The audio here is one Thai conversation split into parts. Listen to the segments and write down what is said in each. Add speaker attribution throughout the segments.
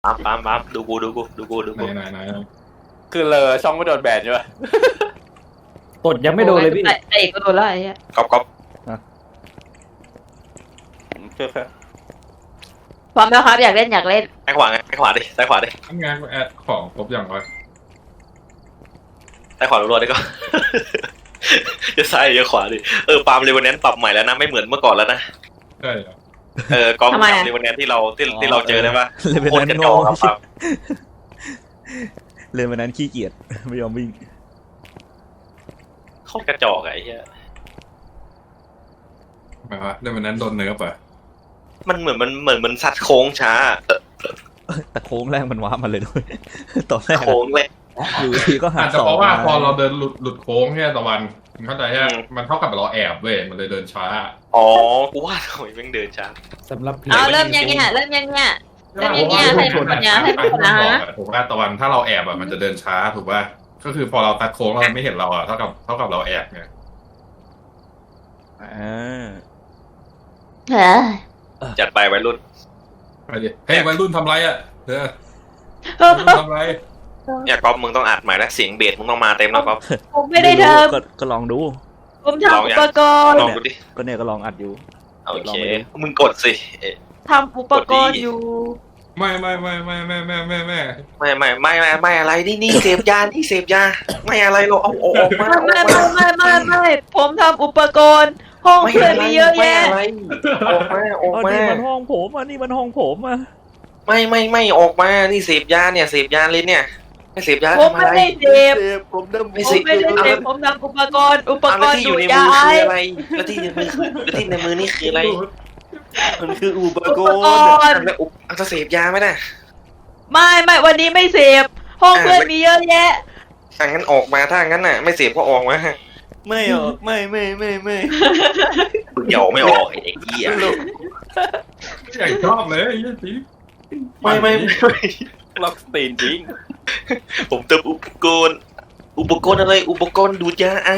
Speaker 1: ปั๊มดูกู
Speaker 2: ไหน
Speaker 3: คือเลยช่องไม่โดนแบนใช่ไหม
Speaker 4: กดยังไม่โดนเลยพี่
Speaker 5: ไอ้ก็โดนแล้วไอ้เหี้ย
Speaker 1: ก๊อป
Speaker 5: พร้อมแล้วครับอยากเล่น
Speaker 1: ซ้ายขวาดิ
Speaker 2: ทำงานแอดของครบอย่างไร
Speaker 1: ซ้ายขวารัวๆดิก็ จะซ้ายจะขวาดิปาล์มเรเวนแนนต์ปรับใหม่แล้วนะไม่เหมือนเมื่อก่อนแล้วนะ
Speaker 2: ใช่เหรอ
Speaker 1: ก๊อปเรเวนแนนต์ที่เราเจอได้ปะ
Speaker 4: เลยเป็น
Speaker 1: โคต
Speaker 4: นั้
Speaker 1: ร
Speaker 4: น
Speaker 1: กระจ
Speaker 4: โง่
Speaker 1: อกครับปาล์ม
Speaker 4: เลยเป็นนั้นขี้เกียจไม่ยอมวิ่ง
Speaker 1: โคตรกระจอกไอ้เหี้ย
Speaker 2: หมายว่าเรื่องวันนั้นโดนเนิร์ฟอ่ะ
Speaker 1: มันเหมือนมันสัตว์โค้งช้า
Speaker 4: แต่โค้งแรกมันว้ามาเลยด้วย ตอนแรก
Speaker 1: โค้งเลย
Speaker 4: อยู่ทีก็หา
Speaker 2: อาจจะ
Speaker 4: สอง
Speaker 2: เพราะว่าพอเราเดินหลุดโค้งแค่ตะวันเข้าใจใช่ไหม
Speaker 1: อืม
Speaker 2: มันเท่ากับเราแอบเว้ยมันเลยเดินช้า
Speaker 1: อ๋อกูว่าทำไมแม่งเดินช้า
Speaker 4: สำหรับพี่
Speaker 5: เอาเริ่มยังเนี่ยแล้วยังเนี่ยให้คนเนี่ยให้คนนะ
Speaker 2: ถูกป่ะตะวันถ้าเราแอบอ่ะมันจะเดินช้าถูกป่ะก็คือพอเราตัดโค้งแล้วมันไม่เห็นเราอ่ะเท่ากับเราแอบไง
Speaker 5: เฮ้ย
Speaker 1: จัดไปวัยรุ่น
Speaker 2: ไปดิเฮ้ยวัยรุ่นทำไรอ่ะวัยรุ่นทำไร
Speaker 1: เนี่ยก๊อปมึงต้องอัดใหม่แล้วเสียงเบสมึงต้องมาเต็มแล้วก๊อป
Speaker 5: ผมไม่ได้ท
Speaker 4: ก็ลองดู
Speaker 5: ำผมทำอุปกรณ์
Speaker 1: ลองดูดิ
Speaker 4: ก็เนี่ยก็ลองอัดอยู่
Speaker 1: โอเคมึงกดสิ
Speaker 5: ทำอุปกรณ์อยู่
Speaker 2: ไม่
Speaker 1: อะไรนี่เสพยาไม่อะไรหรอกเอาออกมา
Speaker 5: ไม่ผมทำอุปกรณ์ห้องเพื่อนมีเยอะแยะ
Speaker 1: ออกมา
Speaker 4: นี่มันห้องผมอ่ะนี่มันห้องผมอ่ะ
Speaker 1: ไม่ออกมานี่เสพยาเนี่ยเสพยาเลยเนี่ยไม่เสพยา
Speaker 5: ผม
Speaker 1: ทำ
Speaker 5: ไม่
Speaker 1: อะไร
Speaker 5: ได้เสพ
Speaker 4: ผมเริ่ม
Speaker 1: ไม่
Speaker 5: ผ
Speaker 1: เส
Speaker 5: ม
Speaker 1: พ
Speaker 5: ไม่ได้เสพผมทำอุปกรณ์
Speaker 1: แล้วที่อ
Speaker 5: ดู
Speaker 1: ยู่ใน
Speaker 5: ยา
Speaker 1: มือ
Speaker 5: ไอ
Speaker 1: คืออะไรแล้วที่ในมือนี่คืออะไร
Speaker 4: มันคืออุปก
Speaker 5: อุป
Speaker 4: ร
Speaker 5: ก
Speaker 4: ณ์
Speaker 5: รณ์
Speaker 1: แล้วจะเสพยาไหมน่ะ
Speaker 5: ไม่วันนี้ไม่เสพห้องเพื่อนมีเยอะแยะ
Speaker 1: ถ้างั้นออกมาถ้างั้นน่ะไม่เสพก็ออกมา
Speaker 4: ไม่ออกไม่
Speaker 1: เดี๋ยวไม่ออกไอ้เหี้ย
Speaker 2: อยากชอบเลยไอ้สิ
Speaker 1: ไม่
Speaker 3: ล็อกสตีนจริง
Speaker 1: ผมเติมอุปกรณ์อะไรอุปกรณ์ดูดยาไอ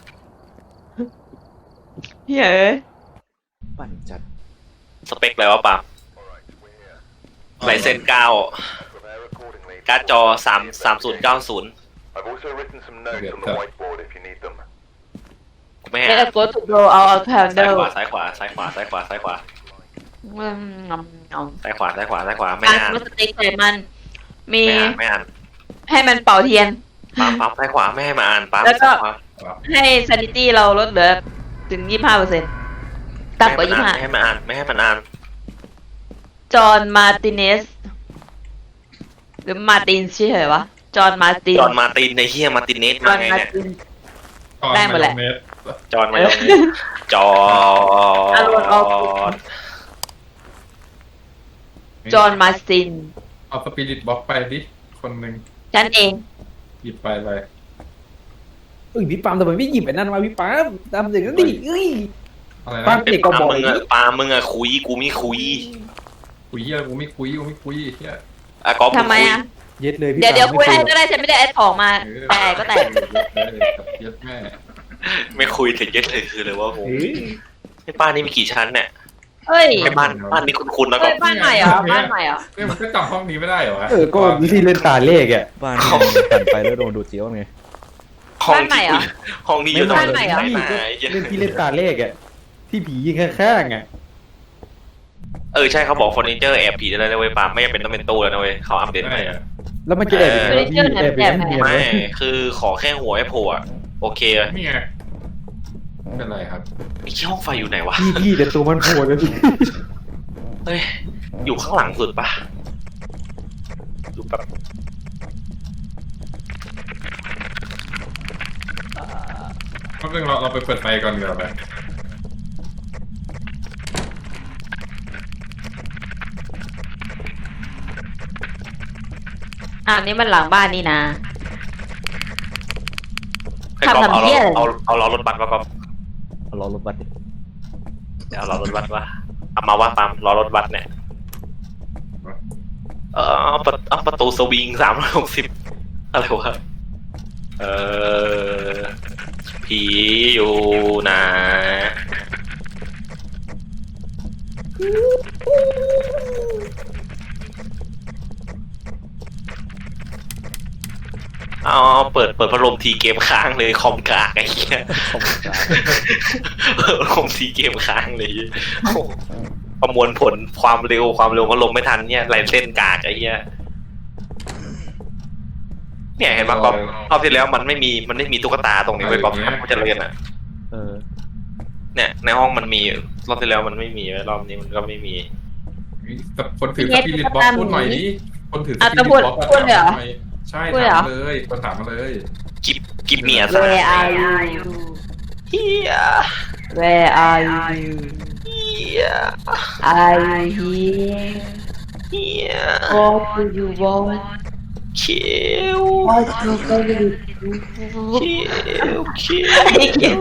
Speaker 5: เฮ้ย
Speaker 4: ปั่นจัด
Speaker 1: สเปคอะไรวะปาล์มไลเซน9การ์ดจอ3090
Speaker 6: I've also written some notes on the whiteboard if you need them.
Speaker 1: ไม่
Speaker 5: ไม่
Speaker 1: ฮะ
Speaker 5: ได้กดถูกโดเอาแพนเด
Speaker 1: ซ้าย
Speaker 5: ล
Speaker 1: ขวาซ้ายขวาไม่
Speaker 5: การ
Speaker 1: อ่าน
Speaker 5: สติ๊กใส่มัน มี
Speaker 1: ไม่อ่าน
Speaker 5: ให้มันเป่าเทียน
Speaker 1: ปั๊มซ้ายขวาไม่ให้มาอ่านปั๊ม
Speaker 5: แล้วก็
Speaker 1: ซ้ายขวา
Speaker 5: ให้ซานิตี้เราลดเหลือถึง 25%ต่ำกว่า
Speaker 1: ไม่ให้มันอ่าน
Speaker 5: 25จอห์นมาร์ติเนส หรือมาร์ตินใช่เหรอวะ จอห์นมาร์ติน
Speaker 1: จอห์นมาร์ตินในเฮียมาร์ตินเนส
Speaker 5: จอ
Speaker 1: มา
Speaker 5: ห์น
Speaker 1: ไง
Speaker 5: มา
Speaker 1: เนี่ย
Speaker 5: ร์ติน
Speaker 2: ได้
Speaker 5: หมดแหละ
Speaker 1: จอห์นมาจอ
Speaker 5: อารมณ์ออก จอห์นมาร์ติน
Speaker 2: เอาสปิริตบ็อกไปดิคนหนึ่ง
Speaker 5: ฉันเอง
Speaker 2: หยิบไปเลย
Speaker 4: พี่ปามทำไมไม่หยิบไอ้นั่นมาพี่ปามทำอย่างนั้นดิ
Speaker 2: อะไร
Speaker 4: ปั๊
Speaker 2: นะ
Speaker 4: ม เด็กก็บอก
Speaker 1: มึงอะคุยกูไม่คุย
Speaker 2: คุยเฮียกูไม่คุยเฮีย
Speaker 1: อะก๊อฟ
Speaker 5: ทำไมอ่ะ
Speaker 4: เย็ดเลยพี่
Speaker 5: เดี๋ยวคุยให้ก็ได้ฉันไม่ได้แอดของมาแต่ก็แต่
Speaker 2: เย็ดแม่
Speaker 1: ไม่คุยถึงเยอะเลยคือเลยว่าโหไอ้บ้านนี้มีกี่ชั้นเนี่ย
Speaker 5: เฮ้ย
Speaker 1: ไอ้บ้านนี้คุ้นๆนะก๊
Speaker 5: เฮ้
Speaker 1: อย ฟ
Speaker 5: บ้านใหม่เหรอบ้านใหม่เหรอ
Speaker 2: เนี่ยมันก็จำห้องนี้ไม่ได้เหรอวะ
Speaker 4: ก็ที่เล่นตาเลขอ่ะบ้านผ่านไปแล้วโดนดูดเจียวไง
Speaker 1: ห้องนี้อยู่ตรง
Speaker 5: บ้านใหม่เหรอ
Speaker 4: เล่นที่เล่นตาเลขอ่ะที่ผียิงข้างๆอ่ะ
Speaker 1: ใช่เขาบอกเฟอร์นิเจอร์แอบผีได้เลยเว้ยปาล์มไม่จำเป็นต้องเป็นตู้แล้วนะเว้ยเขาอัปเดต
Speaker 2: ได้
Speaker 1: ใหม่
Speaker 2: อะ
Speaker 4: แล้วมันจะแอบยังไงพี่แอบยังไง
Speaker 1: ไม่คือขอแค่หัวไอ้โผล่อะโอเค
Speaker 2: นี่ไงไม่เป็นไรครับ
Speaker 1: ไอ้ห้องไฟอยู่ไหนวะ
Speaker 4: พี่แต่ตัวมันโผล่แล้วพี่
Speaker 1: เฮ้ยอยู่ข้างหลังสุดปะดูแบบ
Speaker 2: เพราะเรื่องเราไปเปิดไฟก่อนเดี๋ยวไป
Speaker 5: อันนี้มันหลังบ้านนี่นะ
Speaker 1: ให้ก๊อฟ
Speaker 5: ทำเหี้ยอะไร
Speaker 1: เอาล้อรถบัสมาก๊อฟ
Speaker 4: รอรถบัส
Speaker 1: เดี๋ยวเอาล้อรถบัสวะเอามาว่าปาล์มล้อรถบัสเนี่ยเอาประตูสวิง360อะไรวะผีอยู่นะเอาเปิดพัดลมทีเกมค้างเลยคอมกากไอ้เหี้ย
Speaker 3: คอมกลาง
Speaker 1: เปิดพัดลมทีเกมค้างเลยโอ้โหประมวลผลความเร็วพัดลมไม่ทันเนี่ยไหลเส้นกากไอ้เหี้ยเนี่ยเห็นไหมก๊อฟรอบที่แล้วมันไม่มีตุ๊กตาตรงนี้ไว้ก๊อฟมันจะเล่นอ่ะ
Speaker 3: เออ
Speaker 1: เนี่ยในห้องมันมีรอบที่แล้วมันไม่มีรอบนี้มันก็ไม่มี
Speaker 2: คนถือสปิริตบ็อกพูดหน่อยดิคนถือส
Speaker 5: อ่ะ
Speaker 2: ปิ
Speaker 5: จะ
Speaker 2: ริต
Speaker 5: พูด
Speaker 2: บ็อก
Speaker 5: พูดเลยเหรอ
Speaker 2: ใช่
Speaker 5: พูดเลยเหรอ
Speaker 2: ถามเลยคนถามมาเลย
Speaker 1: กิบเมียซะ
Speaker 5: Where are you
Speaker 1: เฮีย
Speaker 5: Where are you
Speaker 1: เฮีย
Speaker 5: Are you here
Speaker 1: เฮีย
Speaker 5: What do you want
Speaker 1: เขียว
Speaker 5: What you favorite
Speaker 1: เขียวเขียว
Speaker 5: ไอ้เขียว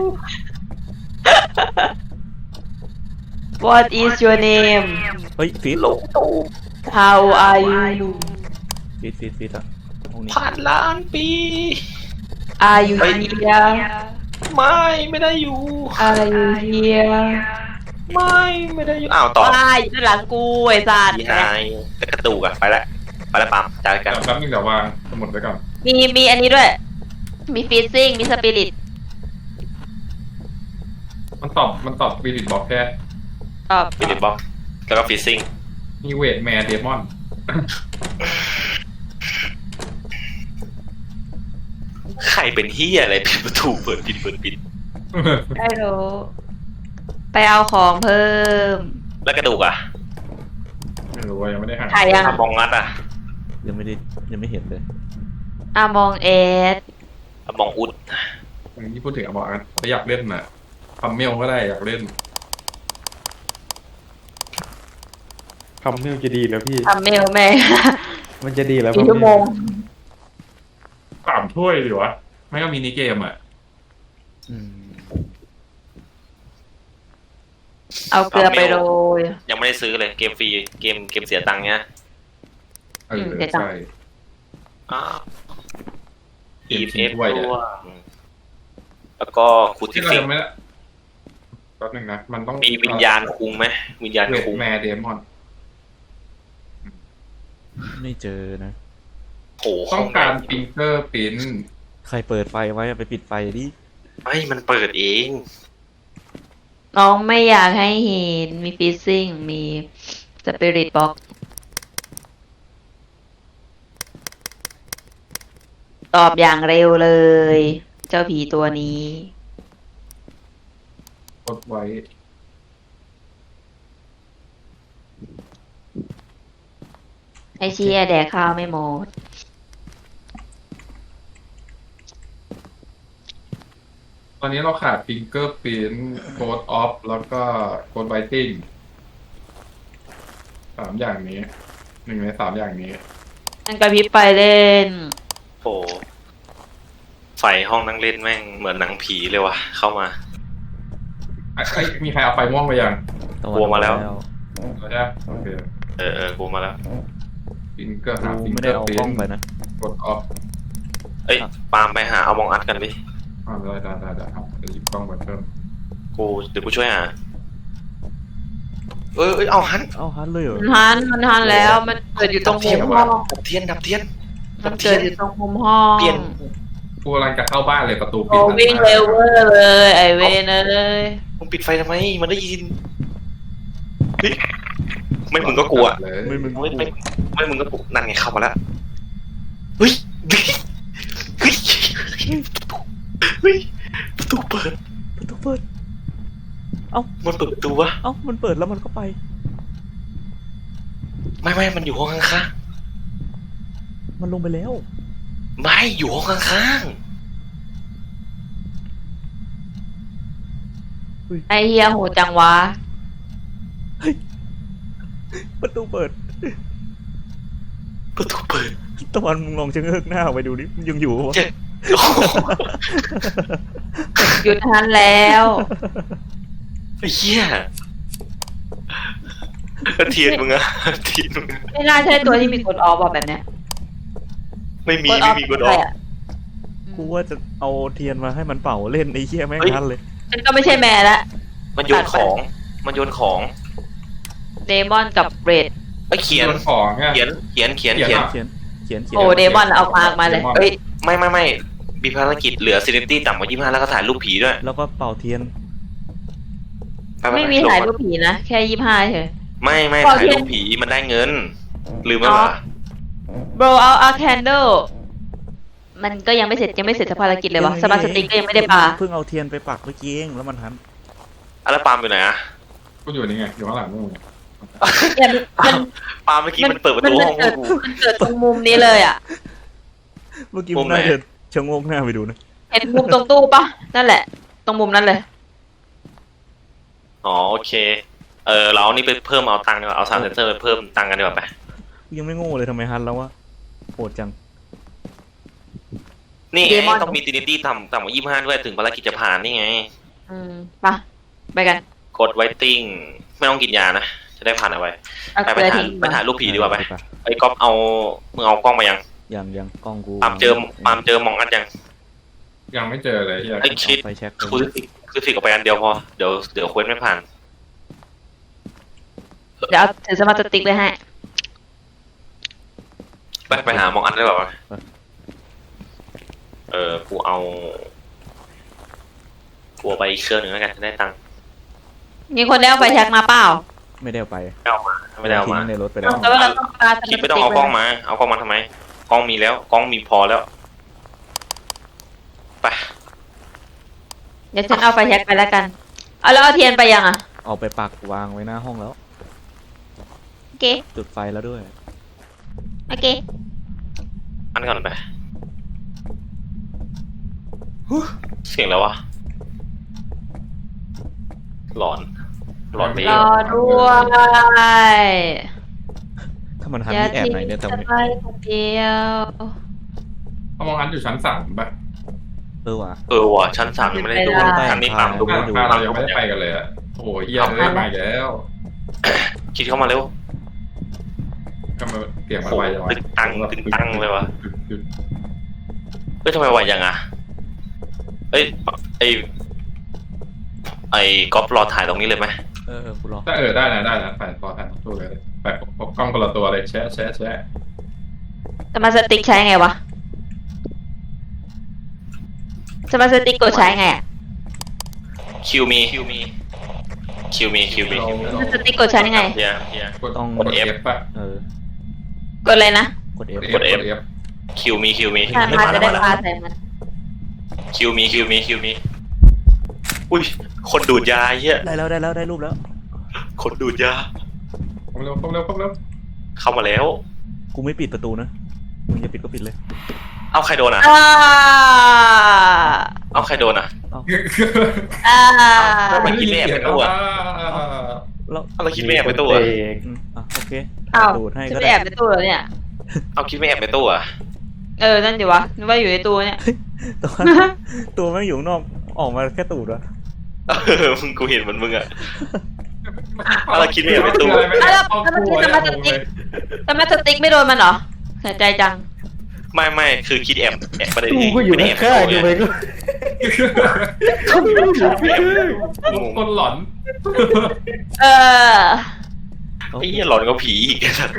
Speaker 5: What is your name
Speaker 3: เฮ้ยฟีด
Speaker 1: ลงตู
Speaker 5: How are you
Speaker 3: ฟีดอ่ะห้องนี้
Speaker 1: ผ่านล้านปี
Speaker 5: Are you here
Speaker 1: ไม่ได้อยู่
Speaker 5: Are you here
Speaker 1: ไม่ได้อยู่อ้าวต่อ
Speaker 5: ว้ายอยู่หลังกูไอ้สัตว์
Speaker 1: ที่หายกระตูกอะไปแล้วปั๊มจ่ายกัน
Speaker 2: แป๊บนึงเดี๋ยววางสมุดไว้ก่อน
Speaker 5: มีอันนี้ด้วย มีฟีซิ่งมีสปิริต
Speaker 2: มันตอบสปิริตบ็อกแค่
Speaker 5: ตอบ
Speaker 1: ฟิลิปบ็อกแล้วก็ฟิซซิ่ง
Speaker 2: มีเวทแมร์เดมอน
Speaker 1: ใครเป็นเฮียอะไรปิดประตูเปิดปิด
Speaker 5: ไม่รู้ไปเอาของเพิ่ม
Speaker 1: แล้วกระดูกอะ
Speaker 2: ไม่รู้ว่ายังไม่ได้หา
Speaker 5: ถ่ายยัง
Speaker 1: มองงัดอะ
Speaker 3: ยังไม่เห็นเลย
Speaker 5: มองเอส
Speaker 1: มองอุด
Speaker 2: อย่างที่พูดถึงอะบอกกันถ้าอยากเล่นน่ะทำเมลก็ได้อยากเล่น
Speaker 4: คำนี้มันจะดีแล้วพี่
Speaker 5: ทำเมลแม่
Speaker 4: มันจะดีแล้ว
Speaker 5: กี่ชั่วโมง
Speaker 2: 3 ถ้วยดีวะไม่ก็มินิเกมอ่ะ
Speaker 3: อืม
Speaker 5: เอาเกลือไปโรย
Speaker 1: ยังไม่ได้ซื้อเลยเกมฟรีเกมเสียตังค์เนี้ย
Speaker 2: เออ
Speaker 5: เดี๋ยวจัง
Speaker 2: ใช่
Speaker 1: อี
Speaker 2: เกม
Speaker 1: เอฟ
Speaker 2: ถ้วย
Speaker 1: ด้
Speaker 2: อะ
Speaker 1: วยแล้วก็คูติ
Speaker 2: ที่เรา
Speaker 1: ฟิก
Speaker 2: ยังไม่ได้แป๊บนึงนะมันต้อง
Speaker 1: มีวิญญาณคุงไหมวิญญาณ
Speaker 2: เวท
Speaker 1: คุง
Speaker 2: แมร์เดมอน
Speaker 3: ไม่เจอนะ
Speaker 1: โอ้โห
Speaker 2: ต้องการฟิงเกอร์ปิ้น
Speaker 3: ใครเปิดไฟไว้อะไปปิดไฟดิ
Speaker 1: ไม่มันเปิดเอง
Speaker 5: น้องไม่อยากให้เห็น มีฟีซิ่ง มีสปิริตบ็อกตอบอย่างเร็วเลย เจ้าผีตัวนี้
Speaker 2: กดไว้
Speaker 5: ไอเชียแดกข้าวไม่หมด
Speaker 2: ตอนนี้เราขาดฟิงเกอร์ปิ้นโคดออฟแล้วก็โคดไวติ้ง3 อย่างนี้1 ใน 3 อย่างนี้
Speaker 5: อันกระพริบไปเล่น
Speaker 1: โอ้ไฟห้องนั่งเล่นแม่งเหมือนหนังผีเลยว่ะเข้ามา
Speaker 2: มีใครเอาไฟม่วงไปยัง
Speaker 3: ตะ
Speaker 1: กลัวมาแล้ว
Speaker 2: แล้วใช่ไหมโอเค
Speaker 1: กูมาแล้ว
Speaker 2: ฟิงเกอร์หา
Speaker 3: กู
Speaker 2: ฟิง
Speaker 3: ไม่
Speaker 2: เก
Speaker 3: ได้
Speaker 2: อร์
Speaker 3: เอา
Speaker 2: ปิ้
Speaker 3: กล้อน งไปนะ
Speaker 2: กดออฟ
Speaker 1: เอ้ยปาล์มไปหาเอามองอัดกันดิ
Speaker 2: ได้ครับจะหยิบกล้องมาเพิ่ม
Speaker 1: เดี๋ยวกูช่วยหาเอ้ยเอาหัน
Speaker 3: เอ้าฮันเลยเหรอ
Speaker 5: มันทันแล้ว มันเกิดอยู่ตรงมุมห้อง
Speaker 1: ดับเทียน
Speaker 5: มันเกิดอยู่ตรงมุมห้อง
Speaker 1: เปลี่ยน
Speaker 2: กูกำลังจะเข้าบ้านเลยประตูปิ
Speaker 5: โอ้
Speaker 2: ด
Speaker 5: วิ่งเร็วเวอร์เลย ไอเวนเลย
Speaker 1: มึงปิดไฟทำไมมันได้ยินเฮ้ยไม่มึงก็กลัว
Speaker 2: เลย
Speaker 3: ไม่มึง
Speaker 1: ไม่มึงก็กลัวนั่นไงเข้ามาแล้วเฮ้ยเฮ้ยประตูเปิด
Speaker 3: ประตูเปิด
Speaker 1: มันเปิดประตูวะ
Speaker 3: เอ้ามันเปิดแล้วมันก็ไป
Speaker 1: ไม่มันอยู่ห้องข้าง
Speaker 3: มันลงไปแล้ว
Speaker 1: ๆไม่อยู่ห้องข้าง
Speaker 5: ไอเฮียโหจังวะ
Speaker 3: ประตูเปิด
Speaker 1: ประตูเปิด
Speaker 3: ตะวันมึงลองชะเง้อหน้าออกไปดูดิมันยังอยู่วะ
Speaker 1: โอ้โห
Speaker 5: หยุดทันแล้ว
Speaker 1: ไอ้เหี้ยเทียนมึงอะเทียนมึง
Speaker 5: ไม่น่าใช่ตัวที่มีกดออฟแบบเนี้ย
Speaker 1: ไม่มีกดอ
Speaker 5: อะไร
Speaker 1: อก
Speaker 5: อะ
Speaker 3: กูว่าจะเอาเทียนมาให้มันเป่าเล่นไอ้เหี้ยแม่ง
Speaker 1: เฮ้ย
Speaker 3: งั้นเลย
Speaker 5: มันก็ไม่ใช่แม่ละ
Speaker 1: มันโยนของ
Speaker 5: เดมอนกับเรด
Speaker 1: ไอ้เขียน
Speaker 2: โดนของไง
Speaker 1: เขียน
Speaker 3: เขียนเขียน
Speaker 5: โอ้เดมอนเอาปากมาเลย
Speaker 1: เอ้ยไม่มีภารกิจเหลือซีนิตี้ต่ำกว่า25แล้วก็ถ่ายรูปผีด้วย
Speaker 3: แล้วก็เป่าเทียน
Speaker 1: ไป
Speaker 5: ไม่มีถ่ายรูปผีนะ แค่25เฉย
Speaker 1: ไม่
Speaker 5: เป่า
Speaker 1: ถ่าย
Speaker 5: เทียน
Speaker 1: รูปผีมันได้เงิน ลืมไหม
Speaker 5: อ๋อ
Speaker 1: วะ
Speaker 5: blow out a candle มันก็ยังไม่เสร็จภารกิจเลยวะสมาร์ทสติ๊กก็ยังไม่ได้ปา
Speaker 3: เพิ่งเอาเทียนไปปักเมื่อกี้เองแล้วมันหัน
Speaker 1: แล้วปาล์มอยู่ไหนอะ
Speaker 2: กูอยู่นี่ไงอยู่ข้างหลังมึง
Speaker 5: เนี่ยมัน
Speaker 1: ปาล์มเมื่อกี้มันเปิดประตูห้อง
Speaker 5: มันเกิดตรงมุมนี้เลยอ่ะ
Speaker 3: เมื่อกี้
Speaker 1: มุ
Speaker 3: มัน
Speaker 1: มไหน
Speaker 3: น่าจะชะโงกหน้าไปดูนะ
Speaker 5: เห็นมุมตรงตู้ปะนั่นแหละ ตรงมุมนั้นเลย
Speaker 1: อ๋อโอเคเราเอานี่ไปเพิ่มเอาตังค์ดีกว่าเอาซาวด์เซนเซอร์ไปเพิ่มตังค์กันดีกว่าไป
Speaker 3: ยังไม่โง่เลยทำไมหันแล้ววะโหดจัง
Speaker 1: นี่ไง
Speaker 5: Demon
Speaker 1: ต้องมีซีนิตี้ต่ำกว่า25ด้วยถึงภารกิจจะผ่านนี่ไง
Speaker 5: ปะไปกัน
Speaker 1: กดไวติ้งไม่ต้องกินยานะจะได้ผ่านเอาไว้
Speaker 5: เอา
Speaker 1: ไป
Speaker 5: เกลือ
Speaker 1: ถ่าย
Speaker 5: ทิ้ง
Speaker 1: ไปถ่ายรูปผีดีกว่าไป
Speaker 3: ไป
Speaker 1: ไอ้ก๊อฟมึงเอากล้องมายัง
Speaker 3: ยังกล้องกู
Speaker 1: ปาล์มเจอมองอันยัง
Speaker 2: ยังไม่เจอเลยที่
Speaker 1: ไอ้ชิด
Speaker 3: ไฟแช็ก
Speaker 1: คือฟิกออกไปอันเดียวพอเดี๋ยวเควสไม่ผ่าน
Speaker 5: เดี๋ยวเอาถือสมาร์ทสติ๊กเลยให้
Speaker 1: ไปหามองอันได้แบบว่ากูเอาไปอีกเครื่องหนึ่งแล้วกันจะได้ตังค์
Speaker 5: มีคนได้เอาไฟแช็กมาเปล่า
Speaker 3: ไม่ได้เอาไป
Speaker 1: ไม่ได้เอามา
Speaker 3: ทิ้งในรถไปแล้ว
Speaker 5: แต่ว่าเราต้องปาสมาร์ทส
Speaker 1: คิด
Speaker 5: ติ๊
Speaker 1: ไม่ต้องเอากล้องมาเอากล้องมาทำไมกล้องมีแล้วกล้องมีพอแล้วไป
Speaker 5: เดี๋ยวฉันเอาไฟแช็กไปแล้วกัน เอาแล้วเอาเทียนไปยังอ่ะ
Speaker 3: เอาไปปักวางไว้หน้าห้องแล้ว
Speaker 5: โอเค
Speaker 3: จุดไฟแล้วด้วย
Speaker 5: โอเค
Speaker 1: อันก่อนไปเสียงแล้ววะหลอนไป
Speaker 5: รอด้วย
Speaker 3: ถ้ามันหัน
Speaker 5: อย่า
Speaker 3: ที่แอบ
Speaker 5: ทิ้ง
Speaker 3: ไหนเนี่ยแต่
Speaker 5: ฉัน
Speaker 3: ไม่
Speaker 5: ไว้คนเดียว
Speaker 2: เขามองอันอยู่ชั้น3ป่ะ
Speaker 3: ว่ะ
Speaker 1: ว่ะชั้น3ยังไม่ได้ดู
Speaker 5: ไม่ได้
Speaker 1: ชั้นนี้ตามดู
Speaker 2: บ้านเรายังไม่ได้ไปกันเลยอะโอ้โหเฮียเริ่มมาอีกแล้ว
Speaker 1: คิดเข้ามาเร็ว
Speaker 2: ก็มาเปลี่ยนมาไวจังวะ
Speaker 1: ตึงตังเลยวะทำไมไวยังอ่ะไอ้ก๊อฟรอถ่ายตรงนี้เลยไหม
Speaker 3: กูรอ
Speaker 2: ถ้าได้นะไปพอถ่ายตู้เลยไปกล้องคนละตัวเลยแชะ
Speaker 5: สมาร์ทสติ๊กใช้ไงวะสมาร์ทสติ๊กกดใช้ไงอ่ะ
Speaker 1: คิวมี
Speaker 5: สมาร์ทสติ๊กกดใช้ยังไง
Speaker 1: เฮีย
Speaker 2: กด F ป่ะ
Speaker 5: กดเลยนะ
Speaker 3: กด F
Speaker 1: กด F คิวมี
Speaker 5: ถ้ามาจะได้ปาใส่มัน
Speaker 1: คิวมีอุ้ยคนดูดยาเฮีย
Speaker 3: ได้แล้วได้รูปแล้ว
Speaker 1: คนดูดยา
Speaker 2: เข้าเร็ว
Speaker 1: เข้ามาแล้ว
Speaker 3: กูไม่ปิดประตูนะมึงจะปิดก็ปิดเลย
Speaker 1: เอาใครโดนอ่ะ เอาใครโดนอ่ะ มันคิดไม่แอบไปตู้อ่ะ
Speaker 3: แล้ว
Speaker 1: เราคิดไม่แอบไปตู้อ่ะ
Speaker 3: โอเค
Speaker 5: อ้าว
Speaker 3: ดูดให้
Speaker 5: จะ
Speaker 3: ก็
Speaker 5: ไป
Speaker 3: ได้
Speaker 5: แอบในตู้เหรอเนี่ย
Speaker 1: เอาคิดไม่แอบไปตู้อ่ะ
Speaker 5: นั่นดิวะนึกว่าอยู่ในตู้เนี่ย
Speaker 3: ตัวแม่งอยู่ข้างนอกออกมาแค่ตูดวะ
Speaker 1: มึงกูเห็นมันมึงอ่ะ เราคิดไม่แอบไปตู้
Speaker 5: แล้วเมื่อกี้สมาร์ทสติ๊กสมาร์ทสติ๊กไม่โดนมันเหรอเสียใจจัง
Speaker 1: ไม่คือคิดแอบประเด็น
Speaker 4: กูก็อยู่
Speaker 1: ไม่ได้แอบ
Speaker 4: ข้างๆอยู่ไปก็
Speaker 2: คนหลอน
Speaker 5: เออ
Speaker 1: ไอ้เหี้ยหลอนก็ผีอีกสัตว์เลย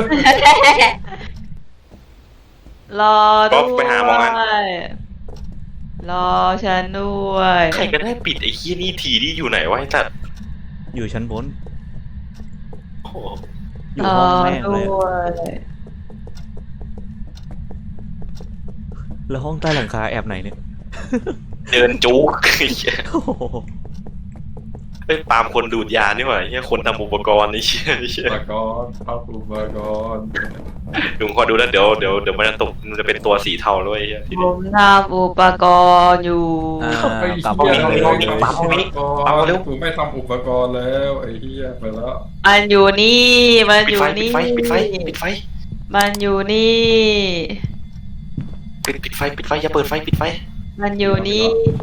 Speaker 5: รอ
Speaker 1: ก็
Speaker 5: ด้
Speaker 1: ไปหาหมออัน
Speaker 5: วยรอฉันด้วย
Speaker 1: ใครก็ได้ปิดไอ้เหี้ยนี่ทีที่อยู่ไหนวะไอ้สัตว์
Speaker 3: อยู่ชั้นบน
Speaker 1: โอ้โห
Speaker 3: อยู่
Speaker 5: รอ
Speaker 3: ห้องแม่ง
Speaker 5: ด้
Speaker 3: เลย
Speaker 5: วย
Speaker 3: แล้วห้องใต้หลังคาแอบไหนเนี่ย
Speaker 1: เดินจุกไอ้เหี้ย
Speaker 3: โอ้โห
Speaker 1: เอ้ยปาล์มคนดูดยานี่หว่าไอ้เหี้ยคนทำอุปกรณ์ไอ้เหี้ย
Speaker 2: อุปกรณ์เข้าอุปกรณ์
Speaker 1: ลุงขอดูแล้วเดี๋ยวมันจะตกมันจะเป็นตัวสีเทาด้วยไอ้เหี้ยที
Speaker 5: ผ
Speaker 1: นี้
Speaker 5: มทำอุปกรณ์อยู่
Speaker 3: กลับ
Speaker 1: ห้องนี้
Speaker 2: กูไม่ทำอุปกรณ์แล้วไอ้เหี้ยไปแล้ว
Speaker 5: มันอยู่นี่มัน
Speaker 1: ปิ
Speaker 5: อ
Speaker 1: ด
Speaker 5: ยู่
Speaker 1: ไฟ
Speaker 5: นี่
Speaker 1: ปิดไฟ
Speaker 5: มันอยู่นี่
Speaker 1: ปิดไฟอย่าเปิดไฟปิดไฟ
Speaker 5: มันอยู่นี่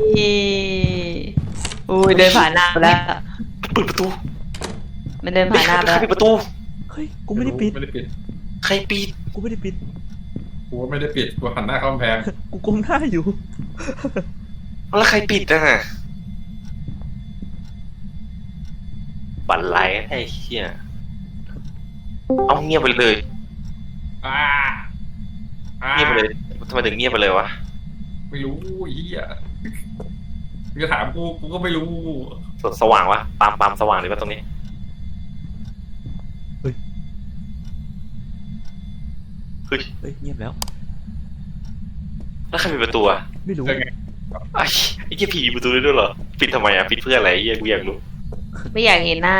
Speaker 5: อุ้ยเดินผ่านหน้าไปแล้ว
Speaker 1: เปิดประตู
Speaker 5: มันเดินผ่านหน้าไป
Speaker 1: ใคร
Speaker 5: แล้ว
Speaker 1: ปิดประตู
Speaker 3: เฮ้ยกูไม่ได้ปิด
Speaker 1: ใครปิด
Speaker 3: กูไม่ได้ปิด
Speaker 2: กูไม่ได้ปิดกูหันหน้าเข้ากำแพง
Speaker 3: กูก้มหน้าอยู่
Speaker 1: แล้วใครปิดอ่ะบันไลไอ้เหี้ยเอาเงียบไปเลย
Speaker 2: อ่า
Speaker 1: เงียบไปเลยทำไมถึงเงียบไปเลยวะ
Speaker 2: ไม่รู้ไอ้เหี้ยมึงจะถามกูก็ไม่รู้
Speaker 1: สว่างวะปาล์มสว่างหรือว่าตรงนี้ เฮ้ย
Speaker 3: เฮ้ยเงียบแล้ว
Speaker 1: แล้วใครปิดประตูอะ
Speaker 3: ไม่รู้
Speaker 2: เออไง
Speaker 1: ไอ้เหี้ยผีปิดประตูได้ด้วยเหรอปิดทำไมอะปิดเพื่ออะไรไอ้เหี้ยกูอยากรู้
Speaker 5: ไม่อยากเห็นหน้า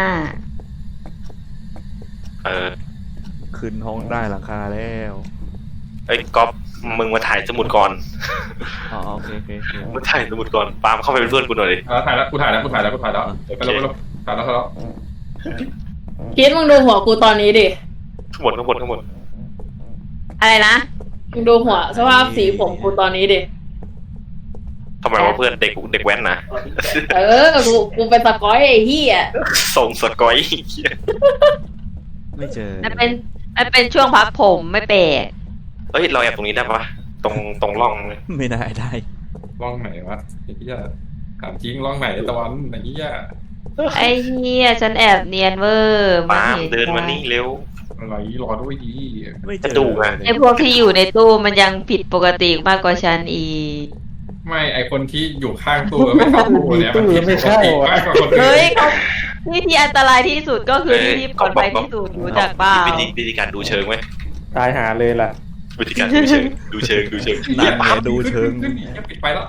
Speaker 3: ขึ้นห้องได้หลังคาแล้ว
Speaker 1: ไอ้ยก๊อฟมึงมาถ่ายสมุดก่อน
Speaker 3: อ๋อโอเคโอเคโอเค
Speaker 1: มึงถ่ายสมุดก่อนปาล์มเข้าไปเป็นเพื่อนกูหน่อยดิ
Speaker 2: ถ่ายแล้วกูถ่ายแล้วไปแล้วไปแล้วถ่ายแล้วถ่ายแล้ว
Speaker 7: คิดมึงดูหัวกูตอนนี้ดิ
Speaker 1: ข้างบน
Speaker 5: อะไรนะ
Speaker 7: มึงดูหัวสภาพสีผมกูตอนนี้ดิ
Speaker 1: ทำไมวะเพื่อนเด็กแว้นนะ
Speaker 7: กูเป็นตะก้อยไอ้เหี้ย
Speaker 1: ส่งสกอย
Speaker 3: ไม่เจอ
Speaker 5: มันเป็นช่วงพักผมไม่แปลก
Speaker 1: เฮ้ยเราแอบตรงนี้ได้ปะตรงร่องเลย
Speaker 3: ไม่น่าได้
Speaker 2: ร่องไหนวะไอ้เหี้ยถามจริงร่องไหนตะวันไอ้เหี้ย
Speaker 5: ไอ้เหี้ยฉันแอบเนียนเวอร์
Speaker 1: ปาล์มเดินมานี่เร็ว
Speaker 2: อะไรรอด้วยดี
Speaker 3: ไม่เจ
Speaker 1: กระ
Speaker 3: อ
Speaker 1: ดูกอะ
Speaker 5: ไอ้พวกที่อยู่ในตู้มันยังผิดปกติมากกว่าฉันอีก
Speaker 2: ไม่ไอคนที่อยู่ข้างตู้ไม่เข้าตู้เนี่ยมันผิดปกติมากกว่าคนอื่น
Speaker 5: เฮ้ยที่อันตรายที่สุดก็คือที่ปลอดภัยที่สุดรู้จักเปล่า
Speaker 1: วิธีการดูเชิงไหม
Speaker 4: ตายหาเลยล่ะ
Speaker 1: วิธีการดูเชิงดูเชิง
Speaker 3: นั่นไงดูเชิง
Speaker 2: ขึ้นปิดไปแล้ว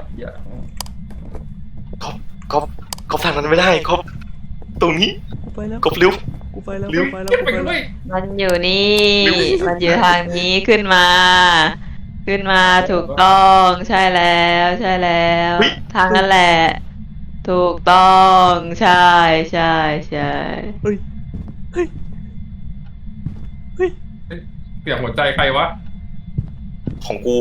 Speaker 1: ก๊อฟทางนั้นไม่ได้ก๊อฟตรงนี้
Speaker 3: กูไปแล้ว
Speaker 1: ก๊อฟเร็ว
Speaker 3: กูไปแล้ว
Speaker 1: เร็ว
Speaker 3: กูไปแล้ว
Speaker 2: ไป
Speaker 3: กูไป
Speaker 2: ด้
Speaker 3: แล้ว
Speaker 2: ยว
Speaker 5: มันอยู่นี่ มันอยู่ทางนี้ขึ้นมา ถูกต้องใช่แล้วใช่แล้ว ทางนั้นแหละ ถูกต้องใช่ใช่ใช่
Speaker 3: เฮ้ยเฮ้ยเฮ้ย
Speaker 2: เสียงหัวใจใครวะ
Speaker 1: ของกู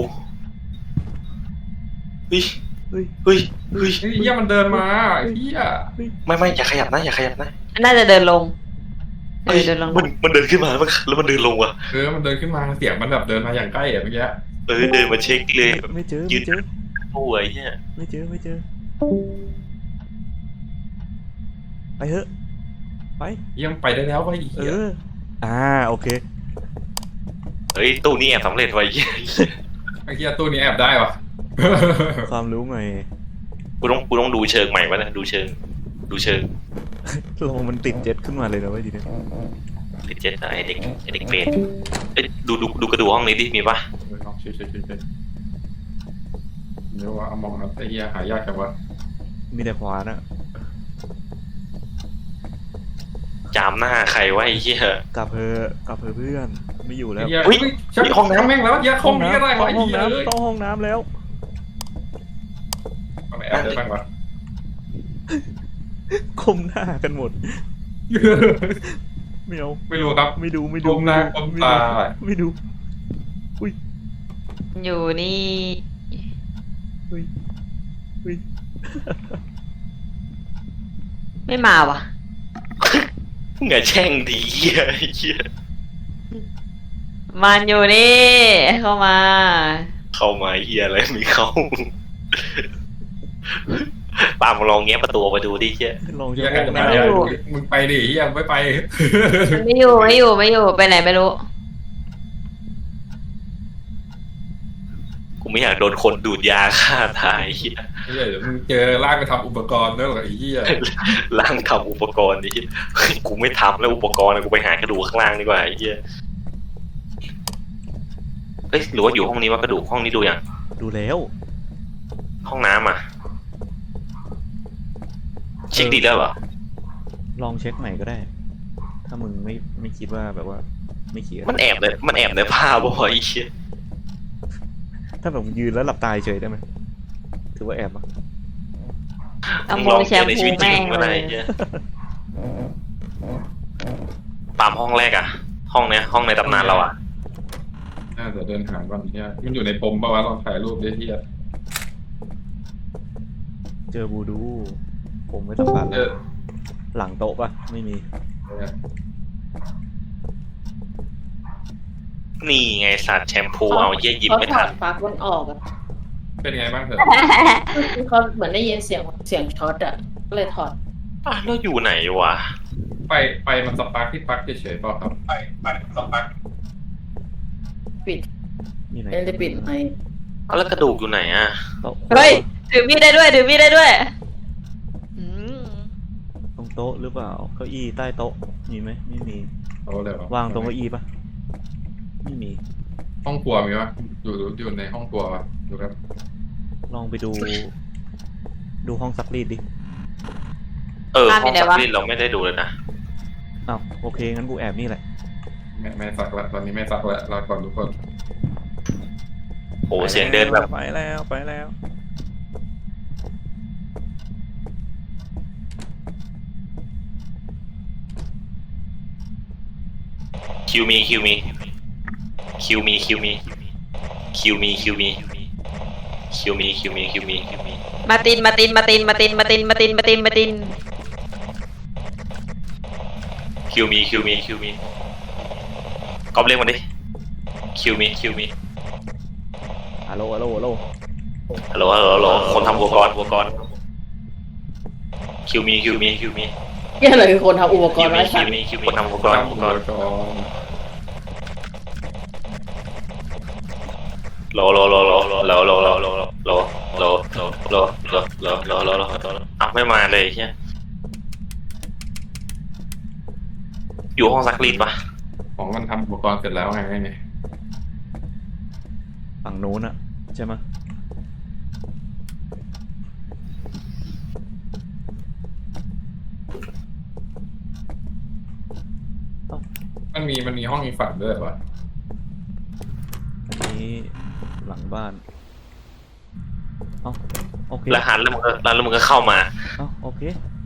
Speaker 1: เฮ้ย
Speaker 3: เฮ้ย
Speaker 1: เฮ้ย
Speaker 2: ไอ้เหี้ยมันเดินมาไอ้เหี้ย
Speaker 1: ไม่อย่าขยับนะ
Speaker 5: น่าจะเดินลง
Speaker 1: เฮ้ย
Speaker 5: เดินลง
Speaker 1: มันเดินขึ้นมาแล้วมันเดินลงว่ะ
Speaker 2: มันเดินขึ้นมาเสียงมันแบบเดินมาอย่างใกล้อะเมื่อกี้
Speaker 1: เดินมาเช็คเลย
Speaker 3: ไม่เจอ
Speaker 1: ยื
Speaker 3: ไม่
Speaker 1: น
Speaker 3: เจอ
Speaker 1: โอ้ยเนี่ย
Speaker 3: ไม่เจอไปเถอะไป
Speaker 2: ยังไปได้แล้วไอ้
Speaker 3: เอ
Speaker 2: เหี้ย
Speaker 3: อโอเค
Speaker 1: เฮ้ยตู้นี้แอบสำเร็จไว้เหี้ย
Speaker 2: ไอ้เหี้ยตู้นี้แอบได้วะ
Speaker 3: ความรู้ไง
Speaker 1: กูต้องดูเชิงใหม่วะนะดูเชิง
Speaker 3: ลงมันติดเจ็ตขึ้นมาเลยนะเว้ยทีนี้
Speaker 1: ติดเจ็ดไอเด็กเปรตเอ้ยดูกระดูกห้องนี้ดิมีปะ
Speaker 2: ลองช่วยเดี๋ยวว่าเอามองนะไอ้เหี้ยหายากจังวะ
Speaker 3: มีแต่ขวานะ
Speaker 1: จามหน้าใครวะไอ้เหี้ย
Speaker 3: กลับเพื่อนไม่อยู่แล้ว
Speaker 2: ไอ้เหี้ย
Speaker 1: เฮ้ย
Speaker 2: ชักห้องน้ำแม่งแล้วเหี้ยห้องนี้ก็ได้วะไอ้
Speaker 3: ห้อง
Speaker 2: เหี้ยเลย
Speaker 3: น้ำต้องห้องน้ำแล้ว
Speaker 2: ห้องไหนแอบได้บ้างวะ
Speaker 3: คมหน้ากันหมดไม่เอา
Speaker 2: ไม่รู้ครับ
Speaker 3: ไม่ดู
Speaker 2: ก้มหน้าก้มตา
Speaker 3: ไม่ดู
Speaker 5: อยู่นี่
Speaker 3: เฮ้ย
Speaker 5: ไม่มาว่ะ
Speaker 1: ไงแช่งดีเหี้ยไอ้เหี้ย
Speaker 5: มันอยู่นี่ เข้ามา
Speaker 1: เข้ามาเหี้ยอะไรไม่เข้าปามลองแง้มประตูออกมาดูดิเหี้ย
Speaker 3: ลอง
Speaker 2: เหี้
Speaker 3: จะ
Speaker 2: ยใคร
Speaker 3: ห้อง
Speaker 2: จะ
Speaker 3: น้
Speaker 2: มาเนี่ยมึงไปดิเหี้ยไม่ไป
Speaker 5: มันไม่อยู่ไปไหนไม่รู้
Speaker 1: กูไม่อยากโดนคนดูดยาฆ่าตายเหี้ย
Speaker 2: เหี้ยเดี๋ยวมึงเจอลากไปทำอุปกรณ์ด้วยเหรอไอ้เหี้ย
Speaker 1: ล่างทำอุปกรณ์นี่กูไม่ทำแล้วอุปกรณ์กูไปหากระดูกข้างล่างดีกว่าไอ้เหี้ยเอ้ยหรือว่าอยู่ห้องนี้ว่ากระดูกห้องนี้ดูอย่าง
Speaker 3: ำดูแล้ว
Speaker 1: ห้องน้ำอ่ะเช็คดีแล้วเหรอ
Speaker 3: ลองเช็คใหม่ก็ได้ ถ้ามึงไม่คิดว่าแบบว่าไม่เขียน
Speaker 1: มันแอบในผ้าบ่อยไอ้เหี้ย
Speaker 3: ถ้าแบบมึงยืนแล้วหลับตาเฉยได้ไหมถือว่าแอบปะ
Speaker 5: เอาโมแชมพูแม่ง
Speaker 1: มา
Speaker 5: เล
Speaker 1: ไหน
Speaker 5: ย
Speaker 1: เหี้ยตามห้องแรกอ่ะ ห้องเนี้ยห้องในตำนานเราอ่ะ
Speaker 2: น่าจะเดินหาก่อนเหี้ยมันอยู่ในปมปะวะลองถ่ายรูปดิเหี้ย
Speaker 3: เจอบูดู ผมไม่ต้องปัด
Speaker 2: เออ
Speaker 3: หลังโต๊ะปะไม่มี
Speaker 1: นี่ไงสัตว์แชมพูเอาเหี้ยหยิบไม่ทัน
Speaker 7: เขาถอดปลั๊กมันออกอะ
Speaker 2: เป็นไงบ้างเถอะ
Speaker 7: เขาเหมือนได้ยินเสียงช็อตอะก็เลยถอด
Speaker 1: อ่ะแล้วอยู่ไหนวะ
Speaker 2: ไปมันสปาร์คที่ปลั๊กเฉยๆเปล่าครับไปมันสปาร์ค
Speaker 7: ปิด
Speaker 3: นี่ไหน
Speaker 7: ไม่ได้ปิดไหม
Speaker 1: เอาแล้วกระดูกอยู่ไหนอ่ะ
Speaker 3: โต๊ะ
Speaker 5: เฮ้ยถือมีดได้ด้วยถือมีดได้ด้วยอืม
Speaker 3: ตรงโต๊ะหรือเปล่าเก้าอี้ใต้โต๊ะมีไหมไม่มี
Speaker 2: เอาเลยว
Speaker 3: วางตรงเก้าอี้ปะไม่มี
Speaker 2: ห้องครัวมีปะอยู่ในห้องครัวปะดูครับ
Speaker 3: ลองไปดู ดูห้องซักรีดดิ
Speaker 1: ห้องซักรีดเราไม่ได้ดูเลยนะ
Speaker 3: อ้าวโอเคงั้นกูแอบนี่แหละ
Speaker 2: ไม่ซักละตอนนี้ไม่ซักละรอก่อนทุกคน
Speaker 1: โอ้เสียงเดินแบบ
Speaker 3: ไปแล้วไปแล้ว
Speaker 1: คิวมีคิวมีคิวมีคิวมีคิวมีคิวมีคิวมีคิวมีคิวมีคิวมี
Speaker 5: มาตินมาตินมาตินมาตินมาตินมาตินมาตินมาติน
Speaker 1: คิวมีคิวมีคิวมีก๊อปเรียกมันดิคิวมีคิวมี
Speaker 3: ฮัลโหลฮัลโหลฮัลโหล
Speaker 1: ฮัลโหลฮัลโหลฮัลโหลคนทำอุปกรณ์คิวมีคิวมีคิวมี
Speaker 7: นี่อะไรคือคนทำอุปก
Speaker 1: คิ
Speaker 7: ร
Speaker 1: ว
Speaker 7: ณ์
Speaker 1: มี
Speaker 7: ไว้
Speaker 1: คิ
Speaker 7: สั
Speaker 1: ว
Speaker 7: ตว์
Speaker 1: มีคิวมีคนทำอุปกรณ์ โลอ้าวไม่มาเลยใช่อยู่ห้องซักรีดปะ
Speaker 2: ของมันทำอุปกรณ์เสร็จแล้วไงเนี่ย
Speaker 3: ฝั่งนู้นอะใช่ไหมย
Speaker 2: มันมีห้องอีกฝั่งด้วยปะ
Speaker 3: อันนี้หลังบ้านเอ้าโอเค
Speaker 1: แล้วหันแล้วมึงก็เข้ามา
Speaker 3: เอ้าโอเค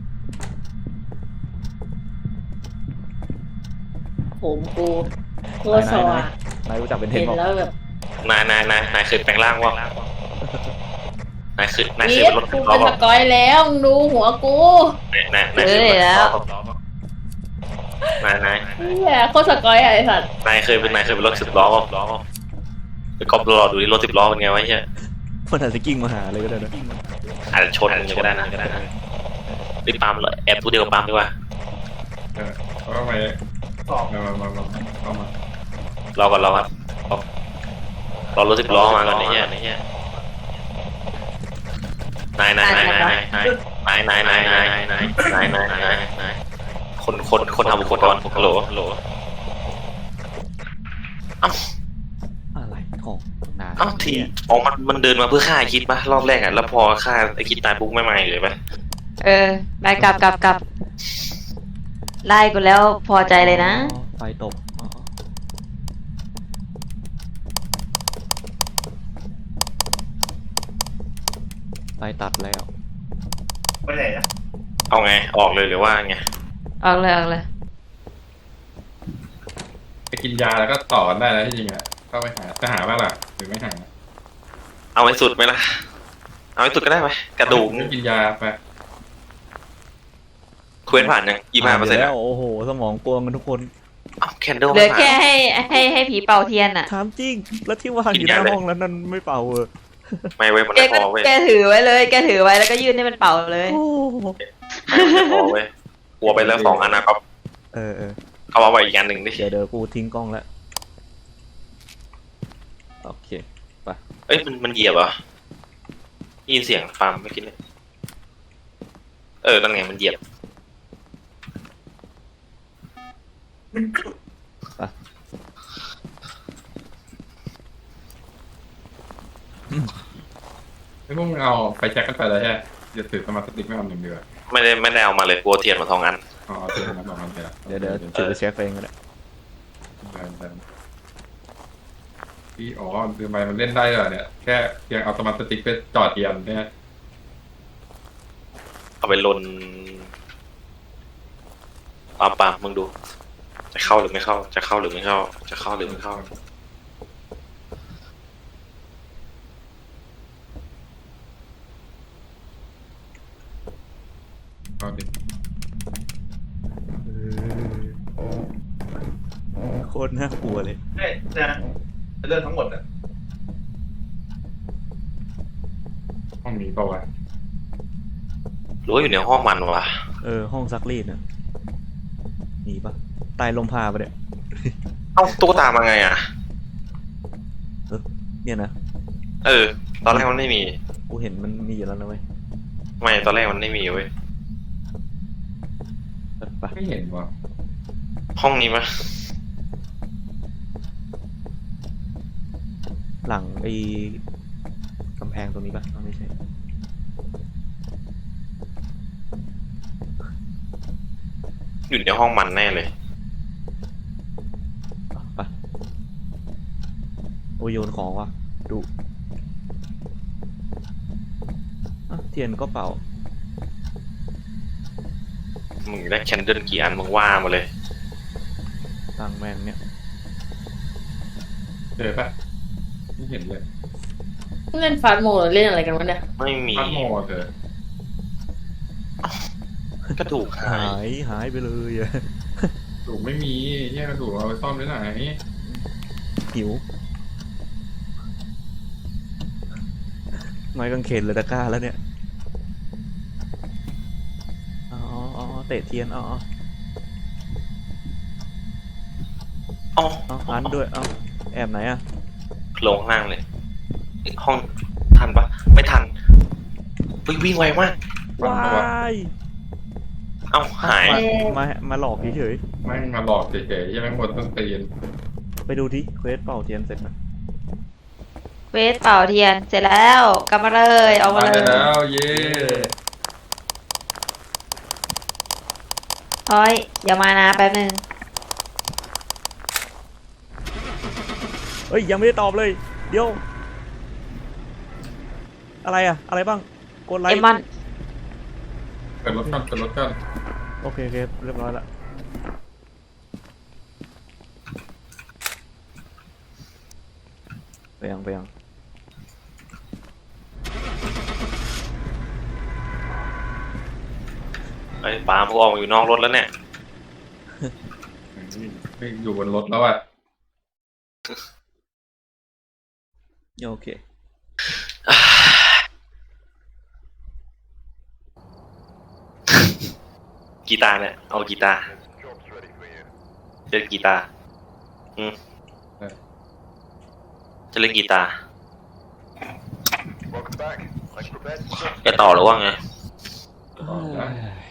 Speaker 7: ผมกูตัวสว่าง
Speaker 3: นายรู้จักเป็นเท
Speaker 7: เห็
Speaker 3: น
Speaker 7: น
Speaker 3: บอก
Speaker 7: แล้วแบบ
Speaker 1: นายเคยแปลงร่างวะนายเคย
Speaker 7: เย็
Speaker 1: เป็น
Speaker 7: ด
Speaker 1: รถ
Speaker 7: กู
Speaker 1: ล้อ
Speaker 7: เป็นส
Speaker 1: ปะ
Speaker 7: กอยแล้วมึงดูหัวกู
Speaker 1: นายเคยเป็นรถล้อปะนาย
Speaker 7: เฮียโคตรสกอยอะไอสัตว์
Speaker 1: เคยเป็นรถ10 ล้อปะไปก๊อปรอดูดิรถ10 ล้อเป็นไงวะเฮีย
Speaker 3: มันอาจจะกิ้งมาหาเลยก็ได้นะ
Speaker 1: อาจจะชนกันก็ได้นะรีบปั๊มเลยแอบตัวเดียวปั๊มดีกว่า
Speaker 2: แล้วก็มาเข้ามาร
Speaker 1: อก่อนรอรถ10 ล้อมาก่อนไอ้เหี้ยนายคนทำอุปกรณ์ฮัลโหลเอ้า
Speaker 3: อะไรของนาย
Speaker 1: เอ้าทีอ๋อมันเดินมาเพื่อฆ่าไอ้คิดปะรอบแรกอ่ะแล้วพอฆ่าไอ้คิดตายปุ๊บไม่มาอีกเลยปะ
Speaker 5: ไปกลับไล่กูแล้วพอใจเลยนะ
Speaker 3: อ๋อไฟตกอ๋อไฟตัดแล้ว
Speaker 1: เอาไงออกเลยหรือว่าไง
Speaker 5: ออกเลย
Speaker 2: ไปกินยาแล้วก็ต่อกันได้แล้วที่จริงอ่ะก็ไปหาจะหาบ้างล่ะหรือไม่หา
Speaker 1: เอาให้สุดไหมล่ะเอาให้สุดก็ได้ไหมกระดูก
Speaker 2: ไม่กินยาไป
Speaker 1: เควสผ่านยัง25%
Speaker 3: แล้วโอ้โหสมองกวงกันทุกคน
Speaker 1: อ้าวแคนเดิล
Speaker 5: เหลื
Speaker 1: ไม่
Speaker 5: อ
Speaker 1: ผ่าน
Speaker 5: แค่ให้ผีเป่าเทียนอ่ะ
Speaker 3: ถามจริง แล้วที่วางอยู่หน้าห้องแล้วนั่นไม่เป่าเออ
Speaker 1: ไม่เว้ยมัน
Speaker 5: แก
Speaker 1: ไม่พ
Speaker 5: ก็
Speaker 1: อเว้ย
Speaker 5: แกถือไว้เลยแกถือไว้แล้วก็ยื่นให้มันเป่าเลย
Speaker 3: โอ้
Speaker 1: ไม่พอเว้ยกลัวไปแล้ว2 อันนะครับ
Speaker 3: เออ
Speaker 1: เอาไปอีกอันหนึ่งดิ
Speaker 3: เดี๋ยวกูทิ้งกล้องแล้วโอเค
Speaker 1: เอ้ยมันเหยียบเหรอยินเสียงฟาร์มเมื่อกี้เนี่ยนั่นไงมันเหยียบ
Speaker 2: ไม่พวกมึงเอาไฟแช็กกันไปแล้วใช่ไหมจะถือสมาร์ทสติ๊กไม่เอาหนึ่งเดียว
Speaker 1: ไม่ได้เอามาเลยกลัวเทียนมา2 อัน
Speaker 2: อ๋อถือมาบอกมันไปละ
Speaker 3: เดี๋ยวถือไปเช็คเองก็ได้
Speaker 2: ที่อ๋อคือไปมันเล่นได้เหรอเนี่ยแค่เพียงเอาสมาร์ทสติ๊กไปจอดเทียนเนี่ย
Speaker 1: เอาไปลนปามึงดู จะเข้าหรือไม่เข้าจะเข้าหรือไม่เข้าจะเข้าหรือไม่เข้า
Speaker 2: เอาดิ
Speaker 3: โคตรน่ากลัวเลย
Speaker 2: เรื่องทั้งหมดอะห้องนี้เปล่าวะ
Speaker 1: หรือว่าอยู่ในห้องมันวะ
Speaker 3: ห้องซักรีดน่ะมีปะตายลมพาปะเนี่ย
Speaker 1: เอ้าตุ๊กตามาไงอ่ะ
Speaker 3: เนี่ยนะ
Speaker 1: เออ ตอนแรกมันไม่มี
Speaker 3: กูเห็นมันมีอยู่แล้วนะเว้ย
Speaker 1: ไม่ตอนแรกมันไม่มีเว้ย
Speaker 3: ไป
Speaker 2: ไม่เห็นว่ะ
Speaker 1: ห้องนี้มั้ย
Speaker 3: หลังไอ้กำแพงตรงนี้ปะอ๋อไม่ใช่
Speaker 1: อยู่ในห้องมันแน่เลย
Speaker 3: ไปโอ้ยโยนของว่ะดูอ่ะเทียนก็เป่า
Speaker 1: มึงได้แคนเดิลกี่อันมึงว่ามาเลย
Speaker 3: ตั้งแม่งเนี่ย
Speaker 2: เจอปะไม่เห็นเลย
Speaker 7: เล่นฟาสโมหรือเล่นอะไรกันวะเนี่ย
Speaker 1: ไม่มี
Speaker 2: พัดโมเจอก
Speaker 1: ระดูกหาย
Speaker 3: หายไปเลยอะ
Speaker 2: ถูกไม่มีแยกกระดูกเอาไปซ่อมได้ไหน
Speaker 3: หิวไม้กางเขนเลยตะกร้าแล้วเนี่ยอ๋ออ๋อเตะเทียนอ๋อ
Speaker 1: อ๋อ
Speaker 3: อ๋อหันด้วยเอาแอบไหนอะ
Speaker 1: ลงข้างล่างเลย ห้องทันปะไม่ทันวิ่งไวมาก
Speaker 2: ฟันตัว
Speaker 3: ย
Speaker 1: เอ้าหาย
Speaker 3: มาหลอกเฉย
Speaker 2: แม่งมาหลอกเฉยๆยังไม่หมดต้นตีน
Speaker 3: ๆไปดูที่เควสเป่าเทียนเสร็จไหม
Speaker 5: เวทเป่าเทียนเสร็จแล้วกลับมาเลยเอามาเล
Speaker 2: ได้
Speaker 5: ย
Speaker 2: แล้วเย้
Speaker 5: เฮ้ยเดี๋ยวมานะแป๊บนึง
Speaker 3: เฮ้ยยังไม่ได้ตอบเลย เดี๋ยว อะไรอะอะไรบ้างกดไล
Speaker 5: เอ
Speaker 3: ค์
Speaker 5: มอน
Speaker 2: เปิดรถกันเปิดรถกัน
Speaker 3: โอเคเรียบร้อยละไปยัง
Speaker 1: ไอ้ปาล์มกูออกมาอยู่นอกรถแล้วเนี่ย
Speaker 2: ไม่อยู่บนรถแล้วอ่ะ
Speaker 3: โอเค
Speaker 1: กีตาร์เนี่ยเอากีตาร์
Speaker 6: Job's ready for you.
Speaker 1: เล่นกีตาร์จะเล่นกีตาร์
Speaker 6: Welcome back. I prepared some
Speaker 1: จะต่อหรือว่าไง
Speaker 2: ต่อนะ